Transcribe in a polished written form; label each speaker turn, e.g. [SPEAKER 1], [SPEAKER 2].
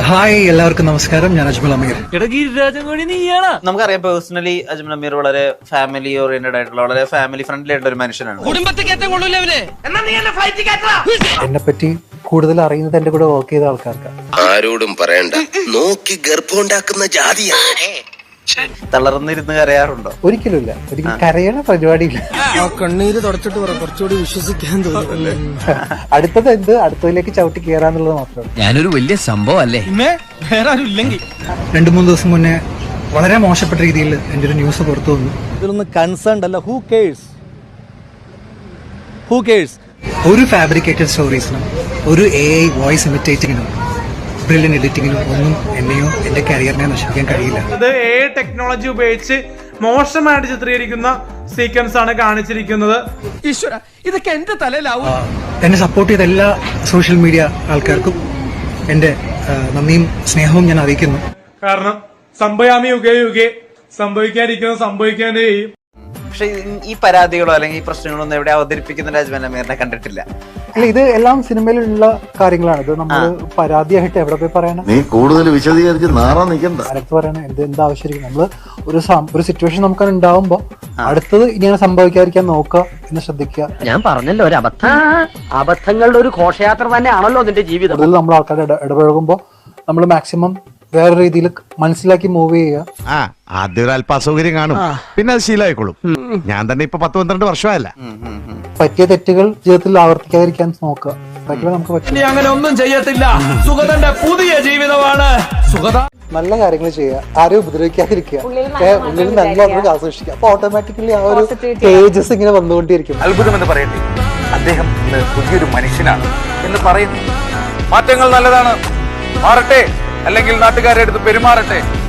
[SPEAKER 1] Hi എല്ലാവർക്കും നമസ്കാരം. ഞാൻ അജ്മൽ അമീർ.
[SPEAKER 2] നമുക്കറിയാം പേഴ്സണലി അജ്മൽ അമീർ വളരെ ഫാമിലി ഓറിയന്റഡ് ആയിട്ടുള്ള വളരെ ഫാമിലി ഫ്രണ്ട്ലി ആയിട്ടുള്ള ഒരു മനുഷ്യനാണ്.
[SPEAKER 1] എന്നെ പറ്റി കൂടുതൽ അറിയുന്നത് എന്റെ കൂടെ വർക്ക് ചെയ്ത ആൾക്കാർക്ക്.
[SPEAKER 3] ആരോടും പറയണ്ട, നോക്കി ഗർഭമുണ്ടാക്കുന്ന ജാതിയാ.
[SPEAKER 2] തളർന്നിരുന്ന് കരയാറുണ്ടോ?
[SPEAKER 1] ഒരിക്കലും ഇല്ല. ഒരിക്കലും കരയണ പരിപാടിയില്ല.
[SPEAKER 4] കണ്ണീര് തുടച്ചിട്ട് പറ, കുറച്ചുകൂടി വിശ്വസിക്കാൻ തോന്നുന്നു.
[SPEAKER 1] അടുത്തത് എന്ത്, അടുത്തതിലേക്ക് ചവിട്ടി കയറാന്നുള്ളത് മാത്രമാണ്.
[SPEAKER 5] ഞാനൊരു വലിയ സംഭവം അല്ലേ?
[SPEAKER 4] വേറെ ആരും ഇല്ലെങ്കിൽ
[SPEAKER 1] 2-3 ദിവസം മുന്നേ വളരെ മോശപ്പെട്ട രീതിയിൽ എന്റെ ഒരു ന്യൂസ് പുറത്തു വന്നു.
[SPEAKER 4] ഇതിലൊന്നും കൺസേൺ അല്ല. Who cares?
[SPEAKER 1] ഒരു ഫാബ്രിക്കേറ്റഡ് സ്റ്റോറീസിനും ഒരു AI വോയിസ് ഇമിറ്റേറ്റിങ്ങിനും ബ്രില്യൻ എഡിറ്റിങ്ങിനും ഒന്നും എന്നെയോ എന്റെ കരിയറിനെ നശിപ്പിക്കാൻ കഴിയില്ല.
[SPEAKER 6] അത് AI ടെക്നോളജി ഉപയോഗിച്ച് മോശമായിട്ട് ചിത്രീകരിക്കുന്ന സീക്വൻസ് ആണ് കാണിച്ചിരിക്കുന്നത്.
[SPEAKER 4] ഈശ്വര, ഇതൊക്കെ എന്റെ തലയിലാവും.
[SPEAKER 1] എന്നെ സപ്പോർട്ട് ചെയ്ത എല്ലാ സോഷ്യൽ മീഡിയ ആൾക്കാർക്കും എന്റെ നന്ദിയും സ്നേഹവും ഞാൻ അറിയിക്കുന്നു.
[SPEAKER 6] കാരണം സംഭയാമി യുഗേ യുഗേ, സംഭവിക്കാതിരിക്കുന്നത് സംഭവിക്കാനേ ചെയ്യും.
[SPEAKER 2] പക്ഷെ ഈ പരാതികളോ അല്ലെങ്കിൽ ഈ പ്രശ്നങ്ങളോ ഒന്നും എവിടെ അവതരിപ്പിക്കുന്ന അജ്മൽ അമീറിനെ കണ്ടിട്ടില്ല.
[SPEAKER 1] അല്ല, ഇത് എല്ലാം സിനിമയിലുള്ള കാര്യങ്ങളാണ്. ഇത് നമ്മൾ പരാതിയായിട്ട് എവിടെ പോയി പറയണം?
[SPEAKER 3] നീ കൂടുതൽ വിശദീകരിച്ച് നാറാൻ നിൽക്കണ്ട.
[SPEAKER 1] അടുത്ത് പറയണ എന്താവശ്യമായിരിക്കും. നമ്മള് ഒരു സിറ്റുവേഷൻ നമുക്ക് ഉണ്ടാവുമ്പോ അടുത്തത് ഇങ്ങനെ സംഭവിക്കാതിരിക്കാൻ നോക്കുക എന്ന് ശ്രദ്ധിക്കുക.
[SPEAKER 5] ഞാൻ പറഞ്ഞല്ലോ, ഒരു അബദ്ധങ്ങളുടെ ഒരു ഘോഷയാത്ര തന്നെയാണല്ലോ അതിന്റെ ജീവിതം.
[SPEAKER 1] കൂടുതൽ നമ്മൾ ആൾക്കാരുടെ ഇടപഴകുമ്പോ നമ്മൾ മാക്സിമം വേറെ രീതിയിൽ മനസ്സിലാക്കി മൂവ് ചെയ്യുക.
[SPEAKER 7] ആദ്യം ഒരു അല്പ അസൗകര്യം കാണും, പിന്നെ അത് ശീലമായിക്കോളും. ഞാൻ തന്നെ ഇപ്പൊ 10-12 വർഷമായല്ല.
[SPEAKER 1] പറ്റിയ തെറ്റുകൾ ജീവിതത്തിൽ ആവർത്തിക്കാതിരിക്കാൻ നോക്കുക. നമുക്ക് പറ്റില്ല.
[SPEAKER 4] അങ്ങനെ ഒന്നും ചെയ്യത്തില്ല. സുഗതന്റെ പുതിയ ജീവിതമാണ് സുഗത.
[SPEAKER 1] നല്ല കാര്യങ്ങൾ ചെയ്യുക, ആരും ഉപദ്രവിക്കാതിരിക്കുക, ഉള്ളിൽ നല്ല നമുക്ക് ആസ്വദിക്കുക. അപ്പൊ ഓട്ടോമാറ്റിക്കലി ആ ഒരു പേജസ് ഇങ്ങനെ വന്നുകൊണ്ടിരിക്കും.
[SPEAKER 8] അത്ഭുതമെന്ന് പറയട്ടെ, അദ്ദേഹം ഇന്ന് പുതിയൊരു മനുഷ്യനാണ് എന്ന് പറയുന്നു. മാറ്റങ്ങൾ നല്ലതാണ്, മാറട്ടെ, അല്ലെങ്കിൽ നാട്ടുകാരെ അടുത്ത് പെരുമാറട്ടെ.